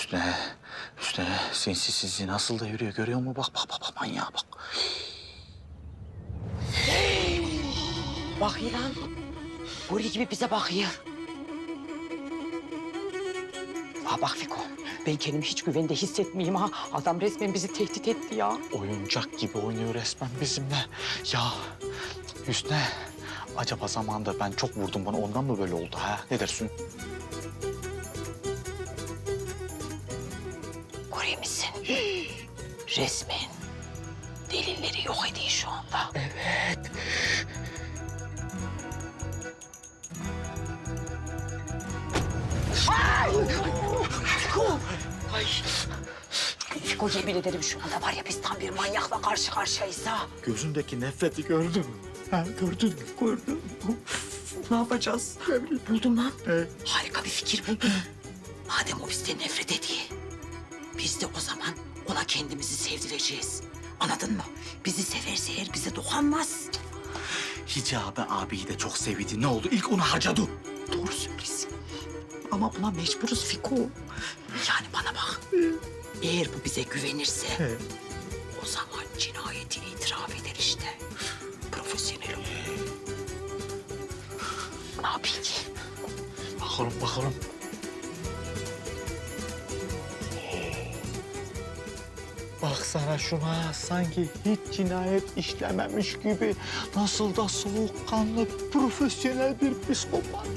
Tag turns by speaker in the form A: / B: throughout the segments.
A: Üstüne sinsi nasıl da yürüyor görüyor musun? Bak manyağa bak.
B: Bak İlan. Buraya gibi bize bakıyor. Ha bak Fiko. Ben kendimi hiç güvende hissetmeyeyim ha. Adam resmen bizi tehdit etti ya.
A: Oyuncak gibi oynuyor resmen bizimle. Ya Hüsnü, acaba zamanında ben çok vurdum bana ondan mı böyle oldu ha? Ne dersin?
B: Görüyor musun? Resmen delilleri yok ediyor şu anda.
A: Evet.
B: Fiko! Ay! Fiko yemin ederim şu anda var ya biz tam bir manyakla karşı karşıyayız ha.
A: Gözündeki nefreti gördün mü? Ha, gördün mü?
B: Gördüm. Ne yapacağız? Buldum lan. Harika bir fikir buldum. Madem o bizden nefret ediyor, biz de o zaman ona kendimizi sevdireceğiz. Anladın mı? Bizi severse eğer bize dokunmaz.
A: Hicabi abiyi de çok sevdi. Ne oldu? İlk onu harcadı.
B: Doğru söylüyorsun. Ama buna mecburuz Fiko. Yani bana bak. Eğer bu bize güvenirse o zaman cinayeti itiraf eder işte. Profesyonel olur. Ne yapayım ki?
A: Bakalım. Baksana şuna sanki hiç cinayet işlememiş gibi nasıl da soğukkanlı, profesyonel bir psikopat.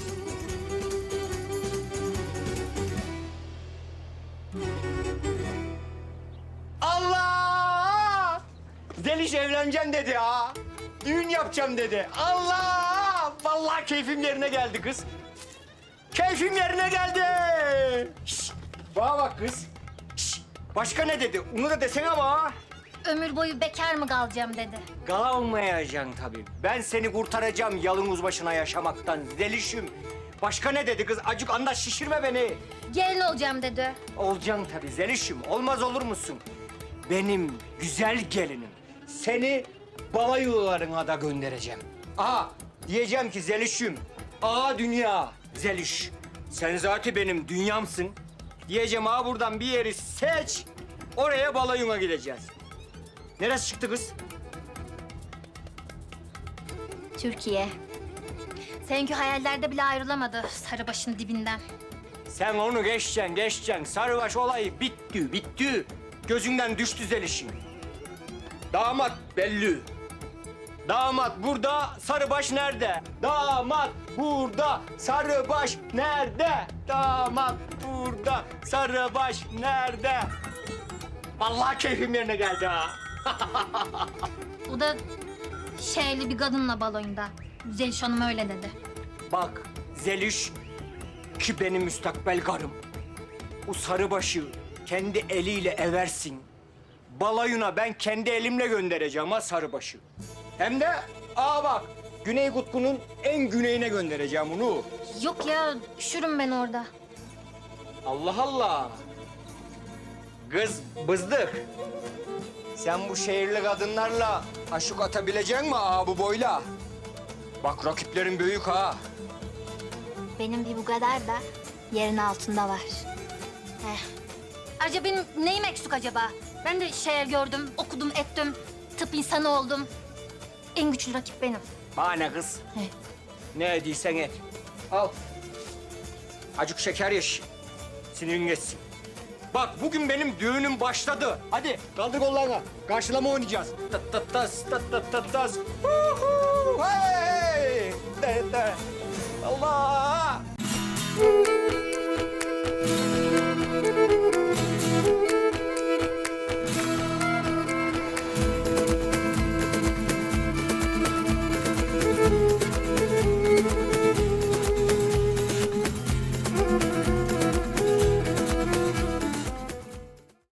C: Allah! Zeliş evleneceğim dedi ha. Düğün yapacağım dedi. Allah! Vallahi keyfim yerine geldi kız. Keyfim yerine geldi. Şişt, bana bak kız. Şişt, başka ne dedi? Onu da desene bana.
D: Ömür boyu bekar mı kalacağım dedi.
C: Kalmayacaksın tabii. Ben seni kurtaracağım yalın başına yaşamaktan Zeliş'im. Başka ne dedi kız? Acık anlaş şişirme beni.
D: Gelin olacağım dedi.
C: Olacaksın tabii Zeliş'im. Olmaz olur musun? Benim güzel gelinim. Seni balayılarına da göndereceğim. Aha diyeceğim ki Zeliş'im. Aa dünya Zeliş. Sen zaten benim dünyamsın. Diyeceğim ha buradan bir yeri seç. Oraya balayına gideceğiz. Neresi çıktı kız?
D: Türkiye. Seninki hayallerde bile ayrılamadı Sarıbaş'ın dibinden.
C: Sen onu geçeceksin. Sarıbaş olayı bitti. Gözünden düştü Zeliş'in. Damat belli. Damat burada, Sarıbaş nerede? Damat burada, Sarıbaş nerede? Damat burada, Sarıbaş nerede? Vallahi keyfim yerine geldi ha.
D: O da şeyli bir kadınla baloyunda. Zeliş Hanım öyle dedi.
C: Bak Zeliş ki benim müstakbel karım. O Sarıbaş'ı kendi eliyle eversin. Balayına ben kendi elimle göndereceğim ha Sarıbaş'ı. Hem de bak Güney Kutbu'nun en güneyine göndereceğim onu.
D: Yok ya, üşürüm ben orada.
C: Allah Allah. Kız bızdık. Sen bu şehirli kadınlarla aşık atabilecek mi bu boyla? Bak rakiplerin büyük ha.
D: Benim bir bu kadar da yerin altında var. Ayrıca benim neyim eksik acaba? Ben de şehir gördüm, okudum, ettim. Tıp insanı oldum. En güçlü rakip benim.
C: Bana ne kız?
D: He.
C: Ne ediysen et. Al. Acık şeker yeş. Sinirin geçsin. Bak bugün benim düğünüm başladı. Hadi kaldır kollarını. Karşılama oynayacağız. Tat tat tas, tat tat tat tas. Huhu, hey! De, de. Allah!